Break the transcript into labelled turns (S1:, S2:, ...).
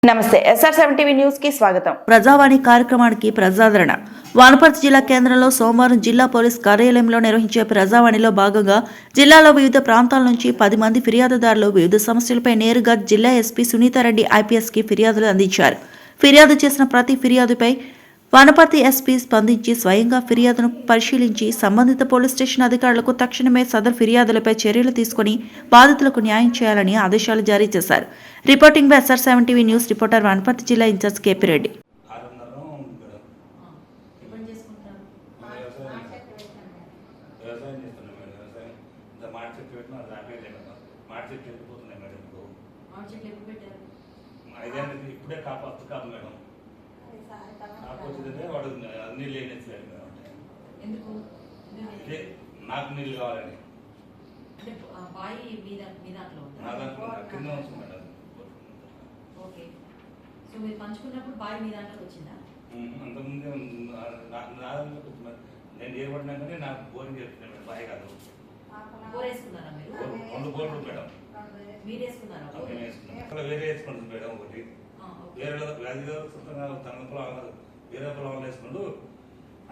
S1: నమస్తే SR7 TV news కి స్వాగతం.
S2: ప్రజావాణి కార్యక్రమానికి ప్రజాదరణ. వనపర్తి జిల్లా కేంద్రంలో సోమవారం జిల్లా పోలీస్ కార్యాలయంలో నిర్వహించే ప్రజావాణిలో భాగంగా జిల్లాలో వివిధ ప్రాంతాల నుంచి 10 మంది ఫిర్యాదుదారులు వివిధ సమస్యలపై నేరుగా జిల్లా ఎస్పీ సునీతారెడ్డి IPS కి ఫిర్యాదులు అందించారు. ఫిర్యాదు చేసిన ప్రతి ఫిర్యాదుపై వనపర్తి ఎస్పీ స్పందించి స్వయంగా ఫిర్యాదును పరిశీలించి సంబంధిత పోలీస్ స్టేషన్ అధికారులకు తక్షణమే సదరు ఫిర్యాదులపై చర్యలు తీసుకుని బాధితులకు న్యాయం చేయాలని ఆదేశాలు జారీ చేశారు. Reporting by SR7 TV news reporter Wanaparthy జిల్లా ఇన్ఛార్జ్ KP రెడ్డి.
S3: ఇప్పుడే కాపు మేడం కాకపోతే వాడు నీళ్ళు వేయలేదు మేడం.
S4: ఎందుకు
S3: నాకు నీళ్ళు కావాలని
S4: అంటే బాయి మీద దాంట్లో
S3: నా దాంట్లో కింద ఉంది మేడం.
S4: ఓకే, సో మీరు పంచుకున్నప్పుడు బాయి మీ దాంట్లోకి వచ్చిందా?
S3: అంతకుముందే నా దాంట్లోకి వచ్చింది. నేను ఏర్పడినా కానీ నాకు బోరింగ్ చెప్తున్నాను మేడం. బాయి కాదు,
S4: బోర్ వేసుకున్నారా మీరు?
S3: 2 బోర్లు మేడం.
S4: మీరు వేసుకున్నారా?
S3: నేను వేసుకున్నాను. అక్కడ వేరే వేసుకుంటుంది మేడం. ఒకటి వేరే వ్యాధి సొంతంగా తన పొలం వేరే పొలం వేసుకుంటూ